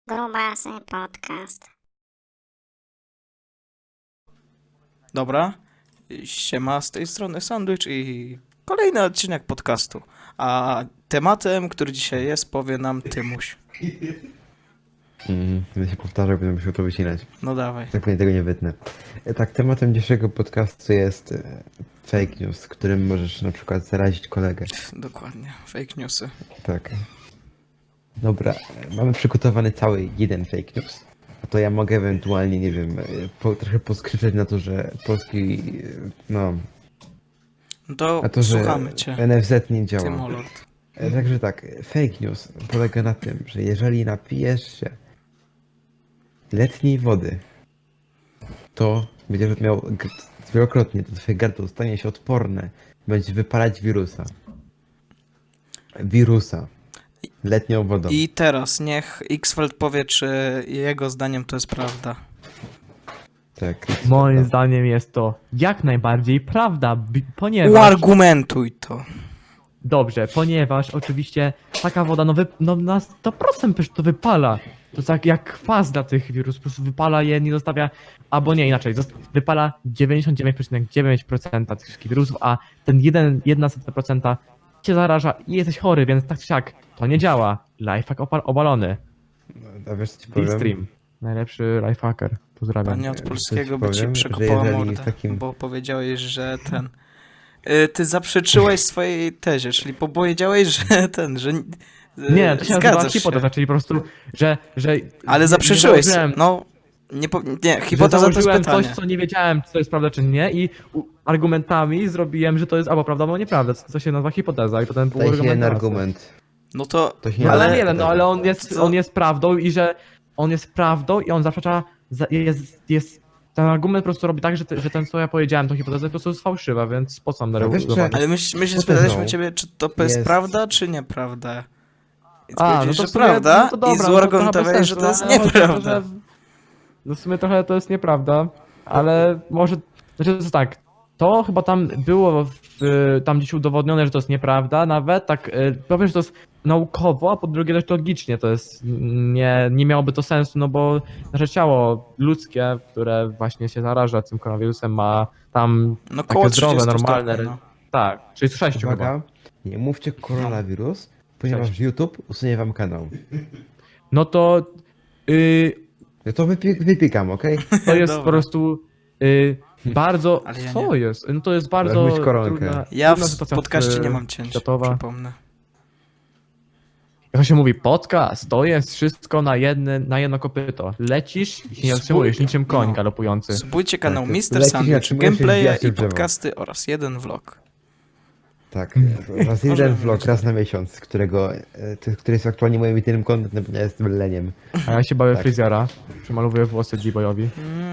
Grubasy Podcast. Dobra, siema, z tej strony Sandwich i kolejny odcinek podcastu. A tematem, który dzisiaj jest, powie nam Tymuś. Będę się powtarzał, będę musiał to wycinać. No dawaj. Tak pewnie tego nie wytnę. Tak, tematem dzisiejszego podcastu jest fake news, którym możesz na przykład zarazić kolegę. Dokładnie, fake newsy. Tak. Dobra, mamy przygotowany cały jeden fake news. A to ja mogę ewentualnie, nie wiem, trochę poskrzyczeć na to, że polski, no, No to, a to, że słuchamy cię, NFZ nie działa. Tymolord. Także tak, fake news polega na tym, że jeżeli napijesz się letniej wody, to będziesz miał wielokrotnie, to twoje gardło stanie się odporne, będzie wypalać wirusa. Letnią wodą. I teraz niech Xfeld powie, czy jego zdaniem to jest prawda. Tak. Moim zdaniem jest to jak najbardziej prawda, ponieważ... Uargumentuj to. Dobrze, ponieważ oczywiście taka woda, no na 100% przecież to wypala. To tak jak kwas dla tych wirusów, po prostu wypala je, nie zostawia, albo nie, inaczej, wypala 99,9% tych wszystkich wirusów, a ten 1% cię zaraża i jesteś chory, więc tak czy siak, to nie działa. Lifehack obalony. A wiesz co ci powiem? D-Stream, najlepszy lifehacker, pozdrawiam. Panie od polskiego ci by ci powiem, że przekopała jeżeli mordę, w takim- bo powiedziałeś, że ten... Ty zaprzeczyłeś swojej tezie, czyli powiedziałeś, że ten, że... Nie, to się nazywa zgadzasz hipoteza, czyli po prostu, że Ale nie zaprzeczyłeś, założyłem- no... Nie, że hipoteza to jest założyłem pytanie. coś, co nie wiedziałem, czy to jest prawda, czy nie i argumentami zrobiłem, że to jest albo prawda, albo nieprawda, co się nazywa hipoteza i potem był Daj się jeden argument. argument. No to... To się nie Ale da- nie, no ale Co? on jest prawdą i że on jest prawdą i on zaprzecza, ten argument po prostu robi tak, że ten, co ja powiedziałem, to hipoteza po prostu jest fałszywa, więc po co mam No wiesz, zobaczyć? Ale my się Hipotezą spytaliśmy ciebie, czy to jest jest- prawda, czy nieprawda. I ty A, no powiedziałeś, to że w sumie, prawda no to dobra, i no to trochę bez zuargumentowałeś, że sensu, to jest ale chodzi o to, nieprawda. że- No w sumie trochę to jest nieprawda, ale może, znaczy to jest tak, to chyba tam było tam gdzieś udowodnione, że to jest nieprawda nawet, tak, powiem, że to jest naukowo, a po drugie też logicznie to jest, nie miałoby to sensu, no bo nasze ciało ludzkie, które właśnie się zaraża tym koronawirusem ma tam No takie koło zdrowe, 30 normalne, stopni, no. tak, 36 chyba. Uwaga, nie mówcie koronawirus, ponieważ YouTube usunie wam kanał. No to No to wypikam, okej? to jest po Dobra. prostu bardzo. Ale ja Co nie. jest? No to jest bardzo. mieć koronkę. Ja trudna w sytuacja podcaście nie mam cięć, światowa. przypomnę. Jak to się mówi, podcast to jest wszystko na jedno kopyto. Lecisz i się nie zatrzymujesz, niczym koń No. galopujący. Subujcie kanał Tak, Mr. lecisz, nie Sandwich, zatrzymujesz się, gameplaye wbijasz się i w drzewo. podcasty oraz jeden vlog. Tak, raz jeden vlog, raz na miesiąc, który jest aktualnie moim jedynym kontentem, bo ja jestem leniem. A ja się bawię Tak. fryzjera. Przemalowuję włosy D-boyowi.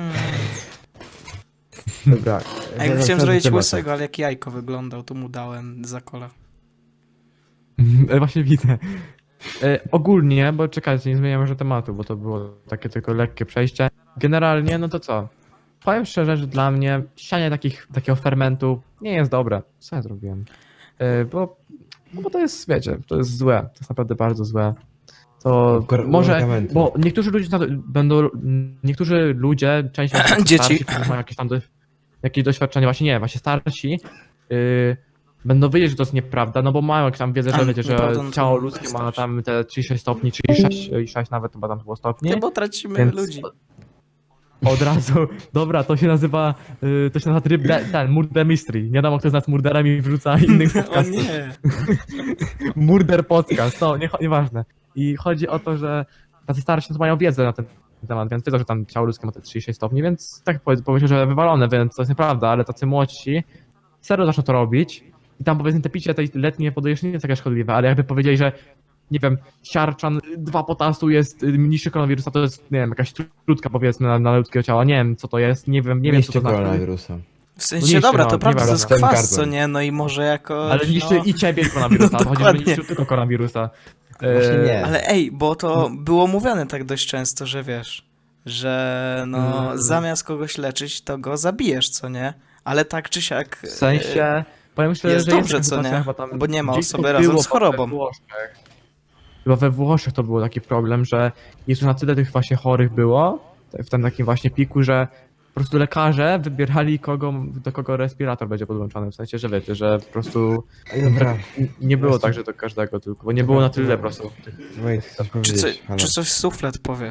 Dobra. A ja chciałem wracając do zrobić tematu. łysego, ale jak jajko wyglądał, to mu dałem za kola. Właśnie widzę. Ogólnie, bo czekajcie, nie zmieniamy może tematu, bo to było takie tylko lekkie przejście. Generalnie, no to co? Powiem szczerze, że dla mnie sianie takiego fermentu nie jest dobre. Co ja zrobiłem? Bo to jest, wiecie, to jest złe. To jest naprawdę bardzo złe. To może, Argumenty. bo niektórzy ludzie, część Dzieci. starsi, którzy mają jakieś doświadczenie, właśnie starsi, będą wiedzieć, że to jest nieprawda, no bo mają jakąś tam wiedzę, że Ale wiecie, że nieprawda, no to ciało nie ludzkie ma wystarczy. tam te 36 stopni, 36 i 6 nawet chyba tam było stopni. Nie, bo tracimy Więc ludzi. Od razu, dobra, to się nazywa tryb, ten, Murder Mystery. Nie wiadomo, kto z nas murderem i wrzuca innych O podcastów. nie. Murder podcast, no, nieważne. I chodzi o to, że tacy starsi to mają wiedzę na ten temat, więc wiedzą, że tam ciało ludzkie ma te 36 stopni, więc tak pomyślę, że wywalone, więc to jest nieprawda, ale tacy młodsi serio zaczną to robić i tam powiedzmy te picie tej letniej wody jeszcze nie jest takie szkodliwe, ale jakby powiedzieli, że nie wiem, siarczan 2 potasu jest niższy koronawirusa, to jest, nie wiem, jakaś trutka powiedzmy na ludzkiego ciała, nie wiem co to jest, nie wiem co Mieście to znaczy. koronawirusa. W sensie, niszczy, dobra, no, to prawda, to jest nieważne. kwas, co Gardłem. nie? No i może jakoś, Ale niszczy no. i ciebie koronawirusa, No, chodzi, że dokładnie. niszczy tylko koronawirusa. Właśnie nie. Ale ej, bo to było mówione tak dość często, że wiesz, że no zamiast kogoś leczyć, to go zabijesz, co nie? Ale tak czy siak... W sensie, powiem szczerze, jest że dobrze, taka co sytuacja nie? chyba tam Bo nie ma gdzieś osoby to razem było z chorobą. we Włoszech. chyba we Włoszech to był taki problem, że jest już na tyle tych właśnie chorych było, w tym takim właśnie piku, że po prostu lekarze wybierali do kogo respirator będzie podłączony, w sensie, że wiecie, że po prostu Dobra, nie było tak, że do każdego tylko, bo nie było na tyle po prostu. Wojt, chcesz Czy, powiedzieć? Halo. czy coś suflet powie?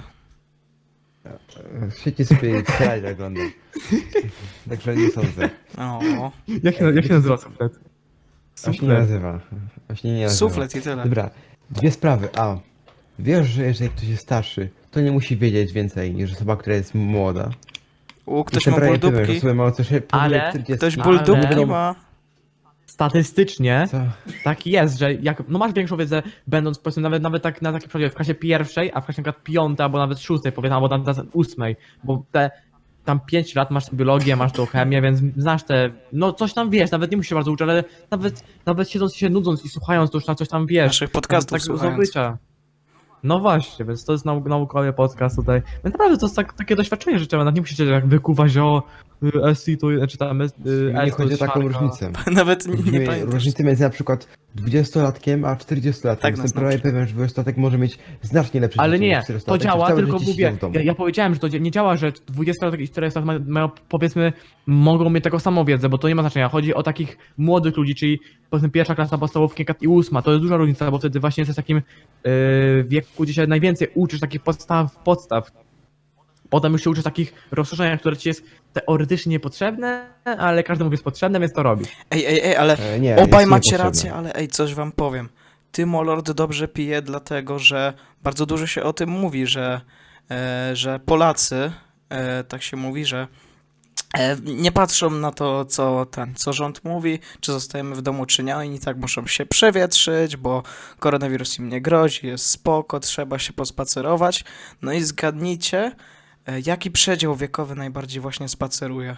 Świetnie sobie strzelać wygląda. Także nie sądzę. O, Jak się nazywa suflet? On się nie nazywa. On się nie nazywa. suflet i tyle. Dobra, dwie sprawy. A, wiesz, że jeżeli ktoś jest starszy, to nie musi wiedzieć więcej niż osoba, która jest młoda. Ktoś Jestem ma prawie pewien, że buldupki? osoby mają coś Ale powyżej 40. Ktoś Ale- buldupki ma? Statystycznie Co? tak jest, że jak no masz większą wiedzę, będąc powiedzmy nawet tak na takim przykładzie w klasie pierwszej, a w klasie na przykład piątej albo nawet szóstej, powiedzmy, albo nawet ósmej, bo te tam 5 lat masz biologię, masz tą chemię, więc znasz te, no coś tam wiesz, nawet nie musisz się bardzo uczyć, ale nawet siedząc i się nudząc i słuchając, to już na coś tam wiesz. Naszych podcastów tak słuchając. zdobycia. No właśnie, więc to jest naukowy podcast tutaj. Więc naprawdę to jest takie doświadczenie życiowe, nawet nie musicie jak wykuwać o SI to, czy tam Nie S to chodzi o jest taką siarka. różnicę. Nawet nie Widzimy pamiętasz. różnicę między na przykład 20-latkiem a 40-latkiem. Tak nas Jestem prawie nauczy. pewien, że 20-latek może mieć znacznie lepsze Ale życie nie, niż to 40-latek, działa, całe tylko życie mówię, siedział w domu. ja powiedziałem, że to nie działa, że 20-latek i 40-latek mają, powiedzmy, mogą mieć taką samą wiedzę, bo to nie ma znaczenia. Chodzi o takich młodych ludzi, czyli powiedzmy pierwsza klasa podstawówki i ósma, to jest duża różnica, bo wtedy właśnie jesteś w takim wieku, gdzie się najwięcej uczysz takich podstaw. Potem już się uczysz takich rozszerzeniach, które ci jest teoretycznie niepotrzebne, ale każdemu jest potrzebne, więc to robi. Ej, ale Nie, obaj jest macie niepotrzebne. rację, ale ej, coś wam powiem. Ty, Molord, dobrze pije, dlatego że bardzo dużo się o tym mówi, że Polacy, tak się mówi, że nie patrzą na to, co rząd mówi, czy zostajemy w domu, czy nie. Oni tak muszą się przewietrzyć, bo koronawirus im nie grozi, jest spoko, trzeba się pospacerować. No i zgadnijcie, jaki przedział wiekowy najbardziej właśnie spaceruje.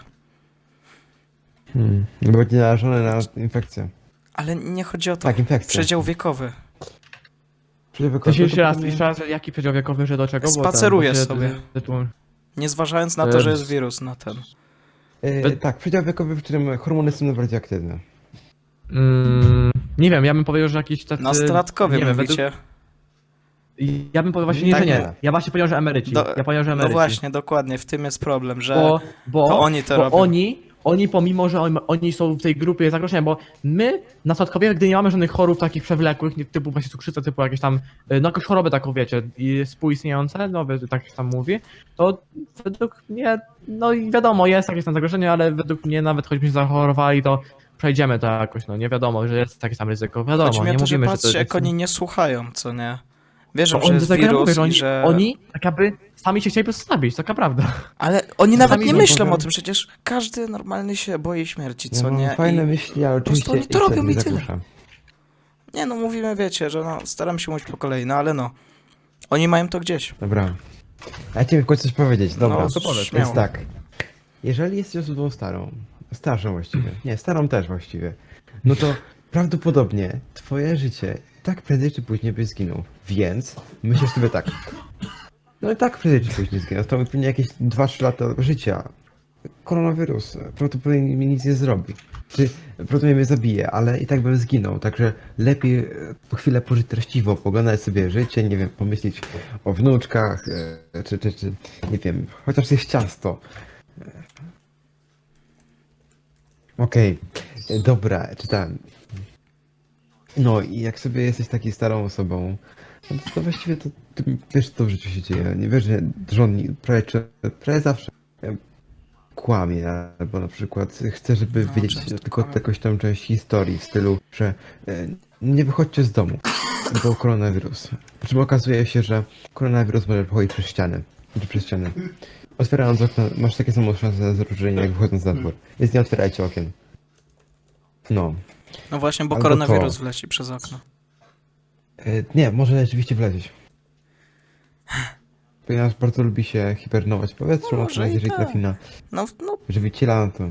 No bo nie narażone na infekcję. Ale nie chodzi o to. Tak, infekcja. Przedział wiekowy. To się jeszcze raz, jaki przedział wiekowy, że do czego? Bo Spaceruję bo się- sobie. tytuł- Nie zważając na to, że jest wirus na ten. Tak, przedział wiekowy, w którym hormony są najbardziej aktywne. Nie wiem, ja bym powiedział, że jakiś tacy... Nastolatkowie nie wiem, mówicie. Ja bym powiedział właśnie, Tak, że nie. nie. Ja właśnie powiedział, że emeryci. Ja powiedział, że No emeryci. właśnie, dokładnie, w tym jest problem, że Bo to oni to bo robią. oni pomimo, że oni są w tej grupie zagrożenia, bo my, nastolatkowie, gdy nie mamy żadnych chorób takich przewlekłych, typu właśnie cukrzyca, typu jakieś tam, no jakąś chorobę taką, wiecie, i współistniejące, no tak się tam mówi, to według mnie, no i wiadomo, jest jakieś tam zagrożenie, ale według mnie nawet choćbyśmy zachorowali, to przejdziemy to jakoś, no nie wiadomo, że jest takie tam ryzyko, wiadomo, Chodzi mi nie o to, że mówimy, patrzcie, że to jak oni nie słuchają, co nie? Wierzą, To że jest dlatego ja wirus mówię, i że... oni tak jakby sami się chcieli po prostu zabić, taka prawda. Ale oni nawet Sami nie nie myślą powiem. o tym, przecież każdy normalny się boi śmierci, Ja co mam nie? fajne I... myśli, ale prostu oczywiście oni to robią nie i tyle. zagłusza. Nie no, mówimy, wiecie, że no, staram się mówić po kolei, no ale no. Oni mają to gdzieś. Dobra. A ja chciałem w końcu coś powiedzieć, dobra. No, to powiedz, Więc śmiało. tak. Jeżeli jesteś osobą starszą właściwie, nie, starą też właściwie, no to prawdopodobnie twoje życie tak prędzej czy później byś zginął. Więc myślisz sobie tak. No i tak prędzej czy później zginął. To pewnie jakieś 2-3 lata życia. Koronawirus prawdopodobnie mi nic nie zrobi. Czy prawdopodobnie mnie zabije, ale i tak bym zginął. Także lepiej po chwilę pożyć treściwo, poglądać sobie życie, nie wiem, pomyśleć o wnuczkach, czy nie wiem, chociaż jest ciasto. Okej, dobra, czytałem. No i jak sobie jesteś taką starą osobą, no to właściwie to ty wiesz, co w życiu się dzieje. Nie wiesz, że rząd prawie zawsze kłamie, albo na przykład chce, żeby No, wiedzieć często tylko kłamie. jakąś tam część historii w stylu, że nie wychodźcie z domu, bo koronawirus. Po czym okazuje się, że koronawirus może wychodzić przez ścianę. Czy przez ścianę. Otwierając okno, masz takie samo szanse na zarażenie, jak wychodząc na dwór. Więc nie otwierajcie okien. No. No właśnie, bo Albo koronawirus to. wleci przez okno. Nie, może rzeczywiście wlecieć. Ponieważ bardzo lubi się hibernować w powietrzu, No, no, może i jeżeli tak. trafi na No, żywiciela, no to...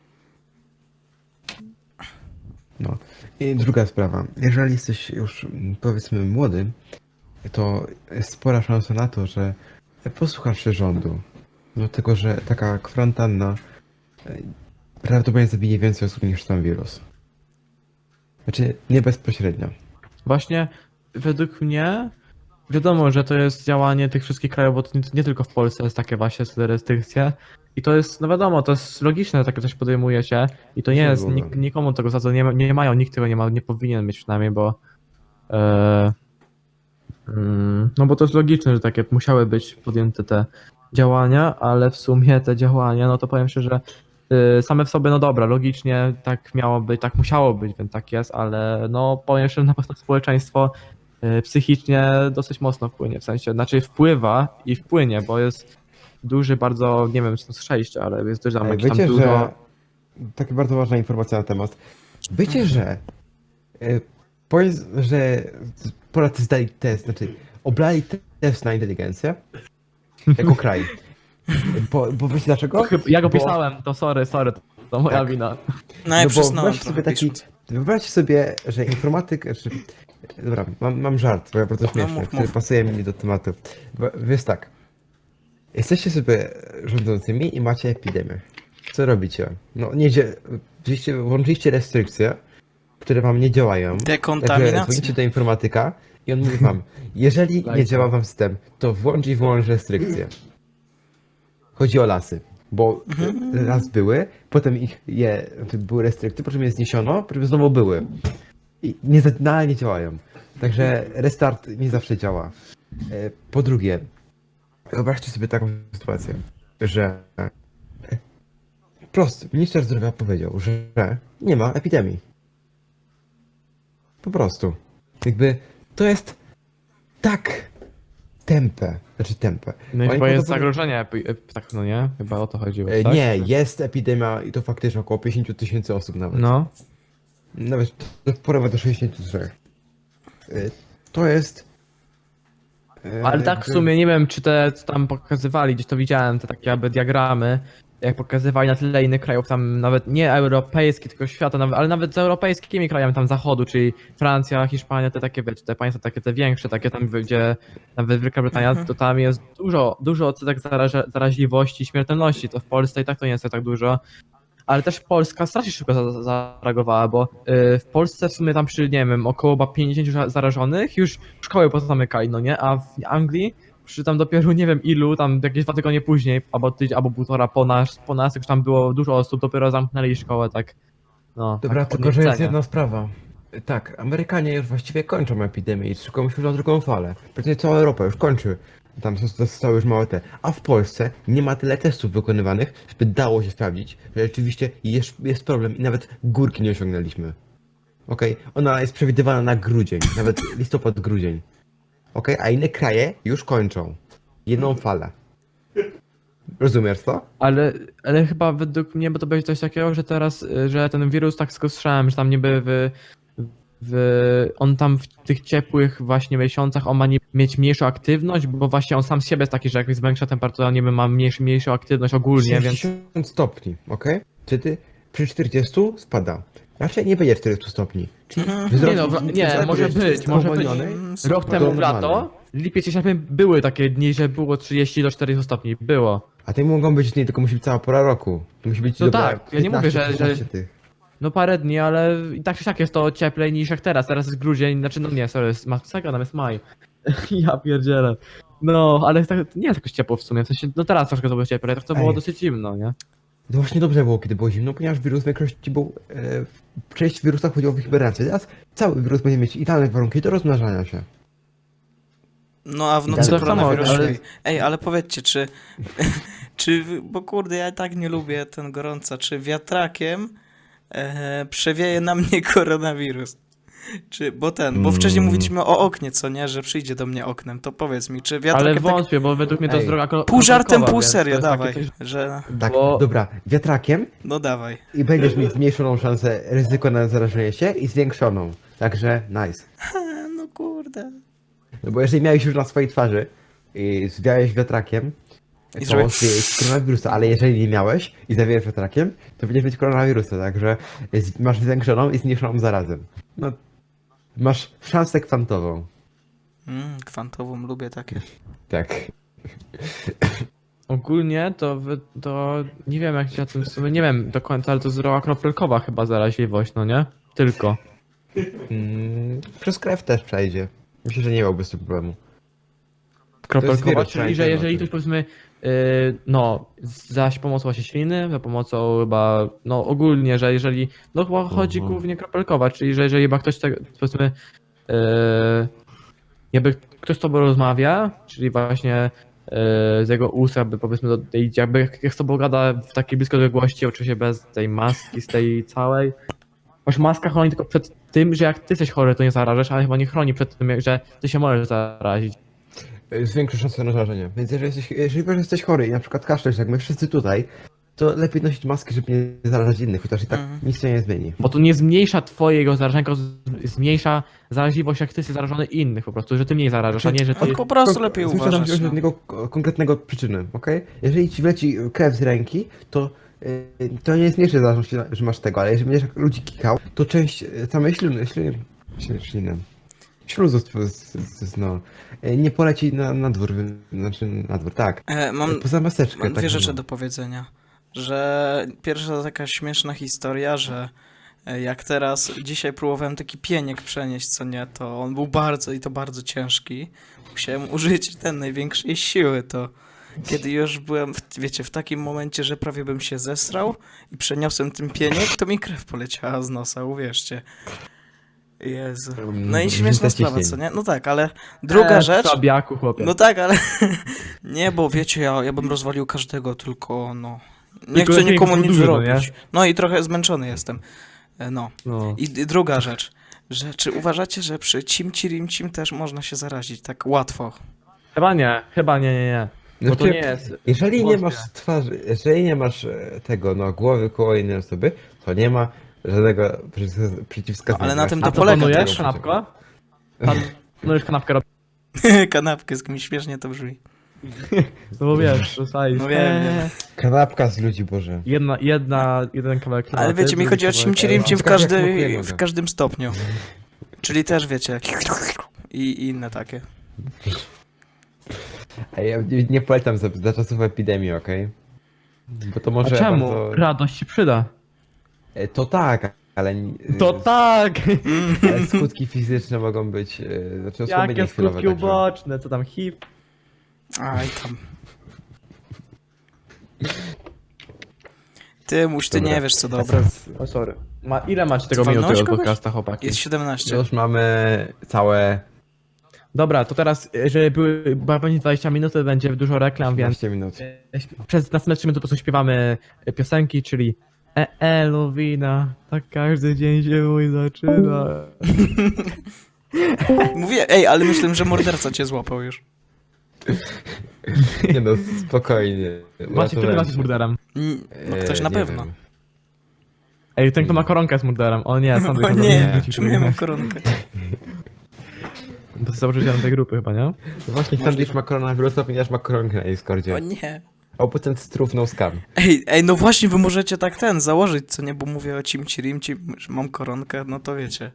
No. I druga sprawa. Jeżeli jesteś już, powiedzmy, młody, to jest spora szansa na to, że posłuchasz się rządu. Dlatego, że taka kwarantanna prawdopodobnie zabije więcej osób niż sam wirus. Znaczy, nie bezpośrednio. Właśnie według mnie wiadomo, że to jest działanie tych wszystkich krajów, bo to nie tylko w Polsce jest takie właśnie restrykcje. I to jest, no wiadomo, to jest logiczne, że takie coś podejmuje się i to nie jest, nikomu tego za to nie mają, nikt tego nie ma, nie powinien mieć przynajmniej, bo no bo to jest logiczne, że takie musiały być podjęte te działania, ale w sumie te działania, no to powiem szczerze, same w sobie, no dobra, logicznie tak miało być, tak musiało być, więc tak jest, ale no powiem szczerze, na pewno społeczeństwo psychicznie dosyć mocno wpłynie, w sensie, znaczy wpływa i wpłynie, bo jest duży bardzo, nie wiem czy to jest 6, ale jest też tam jakieś tam Wiecie, dużo... że... Taka bardzo ważna informacja na temat. Wiecie, że... że Polacy zdali test, znaczy oblali test na inteligencję jako kraj. Bo wiecie dlaczego? Ja go Bo- pisałem, to sorry, to moja Tak. wina. No ja przyznałem wyobraźcie trochę sobie taki, pisząc. wyobraźcie sobie, że informatyk, dobra, mam żart, bo ja bardzo śmieszny, mów, który mów. pasuje mi do tematu. Jest tak, jesteście sobie rządzącymi i macie epidemię. Co robicie? No włączyliście restrykcje, które wam nie działają. Także Dekontaminacja. dzwonicie do informatyka i on mówi wam, jeżeli nie działa wam system, to włącz i wyłącz restrykcje. Chodzi o lasy, bo raz były, potem były restrykcje, po czym je zniesiono, po czym znowu były. I nadal nie działają. Także restart nie zawsze działa. Po drugie, wyobraźcie sobie taką sytuację, że minister zdrowia powiedział, że nie ma epidemii. Po prostu. Jakby to jest tak tępe. No i Oni chyba jest podobno- zagrożenie, tak no nie? Chyba o to chodziło, tak? Nie, jest epidemia i to faktycznie około 50 000 osób nawet. No. Nawet porówno do 63. To jest... Ale tak w sumie nie wiem, czy te co tam pokazywali, gdzieś to widziałem, te takie jakby diagramy, jak pokazywali na tyle innych krajów, tam nawet nie europejskich, tylko świata, ale nawet z europejskimi krajami tam zachodu, czyli Francja, Hiszpania, te takie, wiecie, te państwa takie te większe, takie tam, gdzie nawet Wielka Brytania, to tam jest dużo odsetek zaraźliwości, śmiertelności, to w Polsce i tak to nie jest tak dużo. Ale też Polska strasznie szybko zareagowała, bo w Polsce w sumie tam przy, nie wiem, około chyba 50 zarażonych już szkoły pozamykali, no nie? A w Anglii przy tam dopiero nie wiem ilu, tam jakieś 2 tygodnie później, albo tydzień, albo półtora po nas, już tam było dużo osób, dopiero zamknęli szkołę, tak. No, Dobra, tak tylko że jest podniecenie. jedna sprawa. Tak, Amerykanie już właściwie kończą epidemię i szykują się na drugą falę. Praktycznie cała Europa już kończy. Tam zostały już małe te. A w Polsce nie ma tyle testów wykonywanych, żeby dało się sprawdzić, że rzeczywiście jest problem i nawet górki nie osiągnęliśmy. Okej? Ona jest przewidywana na grudzień, nawet listopad, grudzień. Okej? A inne kraje już kończą. Jedną falę. Rozumiesz to? Ale chyba według mnie, bo to będzie coś takiego, że teraz, że ten wirus, tak tylko słyszałem, że tam niby on tam w tych ciepłych właśnie miesiącach on ma mieć mniejszą aktywność, bo właśnie on sam z siebie jest taki, że jak jest większa temperatura, niby ma mniejszą aktywność ogólnie, więc 60 stopni, okej? Wtedy przy 40 spada. Raczej nie będzie 40 stopni. Czyli nie no, nie, może być, może być. spowolniony. Rok temu w normalne. lato, lipiec i sierpień były takie dni, że było 30 do 40 stopni, było. A te mogą być dni, tylko musi być cała pora roku. To musi być No dobra, tak, ja nie mówię, że- 15 tych. No parę dni, ale i tak czy siak jest to cieplej niż jak teraz. Teraz jest grudzień, znaczy no nie, sorry, jest masakra, tam jest maj. Ja pierdzielę. No, ale tak, nie jest jakoś ciepło w sumie, w sensie, no teraz troszkę to było cieplej, tak to było Ej. dosyć zimno, nie? To właśnie dobrze było, kiedy było zimno, ponieważ wirus w większości był... część wirusa chodziło w hibernację. Teraz cały wirus będzie mieć idealne warunki do rozmnażania się. No a w Tak nocy samo, koronawirusa. ale- Ej, ale powiedzcie, bo kurde, ja tak nie lubię ten gorąca, czy wiatrakiem przewieje na mnie koronawirus? Bo wcześniej mówiliśmy o oknie, co nie, że przyjdzie do mnie oknem, to powiedz mi, czy Ale wiatrakiem tak wątpię, bo według mnie to jest Ej. droga pół żartem, kropelkowa, pół więc to serio, jest takie dawaj, coś- że Tak, Bo- dobra, wiatrakiem no dawaj. i będziesz mieć zmniejszoną szansę ryzyko na zarażenie się i zwiększoną. Także nice. No kurde. No bo jeżeli miałeś już na swojej twarzy i zwiałeś wiatrakiem, I to zrobię- zwiejeś koronawirusa, ale jeżeli nie miałeś i zawiałeś wiatrakiem, to będziesz mieć koronawirusa, także masz zwiększoną i zmniejszoną zarazem. No, masz szansę kwantową. Kwantową lubię takie. Tak. Ogólnie to nie wiem jak się na tym w sumie, nie wiem do końca, ale to jest droga kropelkowa chyba zaraźliwość, no nie? Tylko. Przez krew też przejdzie. Myślę, że nie miałby z tym problemu. Kropelkować, wirus, czyli że pamiętajmy jeżeli o tym. ktoś powiedzmy, no, za pomocą właśnie śliny, za pomocą chyba, no ogólnie, że jeżeli, no chyba chodzi głównie kropelkować, czyli że jeżeli chyba ktoś, powiedzmy, jakby ktoś z tobą rozmawia, czyli właśnie z jego ust, jakby powiedzmy, jakby jak z tobą gada w takiej bliskiej odległości, oczywiście bez tej maski, z tej całej. Masz maska chroni tylko przed tym, że jak ty jesteś chory, to nie zarażasz, ale chyba nie chroni przed tym, że ty się możesz zarazić. Zwiększa szansę na zarażenie. Więc jeżeli wiesz, że jesteś chory i na przykład kaszlesz, jak my wszyscy tutaj, to lepiej nosić maski, żeby nie zarażać innych, chociaż i tak nic się nie zmieni. Bo to nie zmniejsza twojego zarażenia, tylko zmniejsza zaraźliwość, jak ty jesteś zarażony innych po prostu, że ty mniej zarażasz, a nie, że ty... On po prostu lepiej Zwiększa uważać. się No. jednego konkretnego przyczyny, okej? Jeżeli ci wleci krew z ręki, to nie zmniejszy zależności, że masz tego, ale jeżeli będziesz ludzi kikał, to część samej śliny, śluzu, no, nie poleci na dwór, tak. Mam Poza maseczkę. Mam tak dwie rzeczy zwaną. do powiedzenia. Że pierwsza to taka śmieszna historia, że jak teraz dzisiaj próbowałem taki pieniek przenieść, co nie, to on był bardzo ciężki. Musiałem użyć największej siły, to kiedy już byłem, wiecie, w takim momencie, że prawie bym się zesrał i przeniosłem ten pieniek, to mi krew poleciała z nosa, uwierzcie. Jezu. No i śmieszna sprawa, co nie? No tak, ale druga rzecz... Słabiaku, chłopie. No tak, ale nie, bo wiecie, ja bym rozwalił każdego, tylko no. Nie Tylko chcę lepiej nikomu było nic dużo, zrobić. No i trochę zmęczony jestem. No. No. I druga rzecz, że czy uważacie, że przy Cimci Rimcim też można się zarazić tak łatwo? Chyba nie. Bo to Znaczy, nie jest... Jeżeli nie wątpię. masz twarzy, jeżeli nie masz tego, no, głowy koło innej osoby, to nie ma żadnego przeciwwskazania. No, ale na tym to A co polega planujesz? też. Kanapkę? Planujesz kanapkę robić? Kanapkę, z kimś śmiesznie to brzmi. No bo wiesz, dostajesz. No wiem. Kanapka z ludzi, Boże. Jeden kawałek Ale kanapy, wiecie, mi drugi chodzi o kawałek- Cimci Rimcim Ciekawe, jak smakuje w noga. każdym stopniu. Czyli też wiecie. I inne takie. A ja nie polecam za czasów epidemii, okej? Bo to A może czemu? bardzo... Radość ci przyda. To tak, ale... To tak! Ale skutki fizyczne mogą być... Znaczy osłabienie Jakie chwilowe, skutki także... uboczne, co tam HIV? Aj tam. Ty Dobra. nie wiesz co dobre. O sorry. Ile macie tego Walnąłeś minuty od kogoś? podcasta, chłopaki? Jest 17. Już mamy całe Dobra, to teraz, jeżeli była będzie 20 minut, to będzie dużo reklam, więc 15 minut. przez następne 3 minuty po prostu śpiewamy piosenki, czyli Luwina, tak każdy dzień się mój zaczyna. Mówię, ej, ale myślę, że morderca cię złapał już. Nie no, spokojnie. Macie, kto jest murderem? No ktoś na nie pewno. wiem. Ej, ten kto ma koronkę jest murderem. O nie, sam O nie, czemu ja mam koronkę? To jest założycielem tej grupy chyba, nie? No właśnie, Sandwich ma koronawirusa, ponieważ ma koronkę na Discordzie. O nie. Oputent struf no scam. Ej, no właśnie, wy możecie tak założyć, co nie, bo mówię o Cimci Rimci, że mam koronkę, no to wiecie.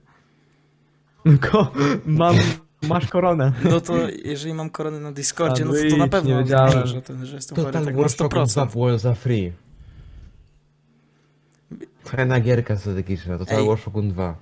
Masz koronę. No to jeżeli mam koronę na Discordzie, no to na Sandwich, pewno nie mam wiedziałem. znaczy, że jestem chory tak na 100%. było za free. Fajna gierka strategiczna, to Ej. cały War Shogun 2.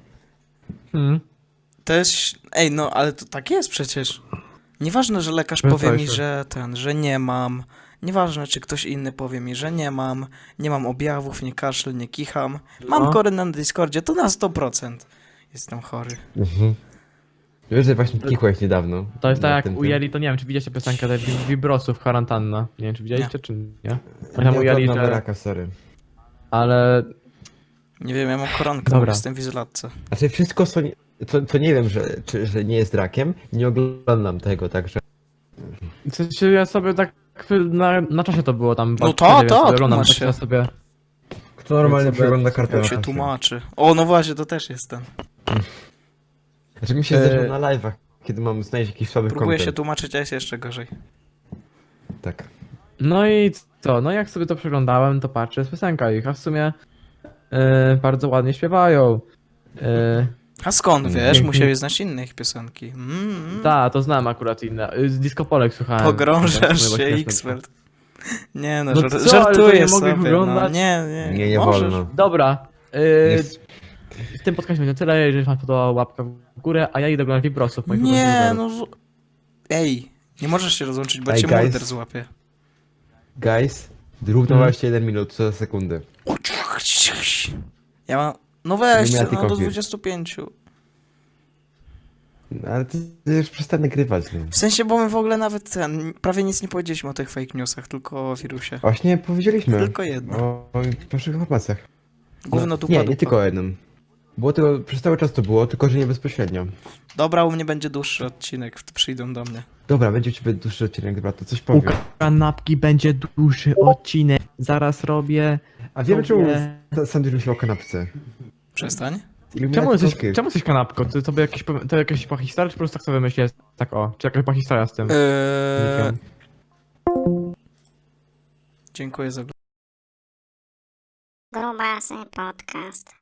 To jest... Ej, no ale to tak jest przecież. Nieważne, że lekarz No powie tak, mi, tak. że nie mam. Nieważne, czy ktoś inny powie mi, że nie mam objawów, nie kaszle, nie kicham. Mam No. koronę na Discordzie, to na 100% jestem chory. Wiesz, że właśnie kikłeś niedawno. To jest na tak jak tym- ujęli, to nie wiem, czy widzieliście piosenkę tej Vibrosów, Kwarantanna. Nie wiem, czy widzieliście, czy nie? Oni tam Nie ujęli, oglądam że... raka, sorry. Ale... Nie wiem, ja mam koronkę, Dobra. bo jestem w izolacji. Znaczy wszystko, co nie wiem, że nie jest rakiem, nie oglądam tego, także... W sensie ja sobie tak na czasie to było tam. No wtedy to, sobie oglądam, tłumacz tak się. ja sobie. Kto normalnie sobie- przegląda kartę Jak na się czasie? tłumaczy. O, no właśnie, to też jest ten. Znaczy mi się zdarza na live'ach, kiedy mam znaleźć jakiś słaby Próbuję się content. tłumaczyć, a jest jeszcze gorzej. Tak. No i co? No jak sobie to przeglądałem, to patrzę, jest piosenka ich, a w sumie bardzo ładnie śpiewają. A skąd, wiesz? Pięknie. Musiałeś znać inne ich piosenki. Tak, to znam akurat inne. Z Disco Polek słuchałem. Pogrążasz Tak, się, było śmieszne. Xfeld. Nie no, No co, ale to żartuję nie mogę sobie. No, oglądać? nie Nie możesz. wolno. Dobra. Nie, W tym podcastie będzie tyle, jeżeli wam podobała łapka w górę, a ja idę oglądać Vibrosów. moich Nie, ulubionych no... Ej, nie możesz się rozłączyć, bo Ej, cię guys. morder złapie. Guys, druk 21 minut, co za sekundy. Ja mam... No weź, Illuminati no do Confir. 25. No, ale ty już przestań nagrywać. Nie? W sensie, bo my w ogóle nawet prawie nic nie powiedzieliśmy o tych fake newsach, tylko o wirusie. Właśnie powiedzieliśmy. Tylko jedno. O pierwszych informacjach. Gówno dupa, Nie, dupa. nie tylko o jednym. Było tylko, przez cały czas to było, tylko że nie bezpośrednio. Dobra, u mnie będzie dłuższy odcinek, przyjdą do mnie. Dobra, będzie u ciebie dłuższy odcinek, dobra, to coś U powiem. kanapki będzie dłuższy odcinek. Zaraz robię. A wiemy czemu sobie- Sandwich myślał o kanapce. Przestań. Czemu jesteś kanapką? To sobie jakieś, to jakaś historia, czy po prostu tak sobie wymyśliłeś? Tak o, czy jakaś historia z tym? Nikiem? Dziękuję za Grubasy Podcast.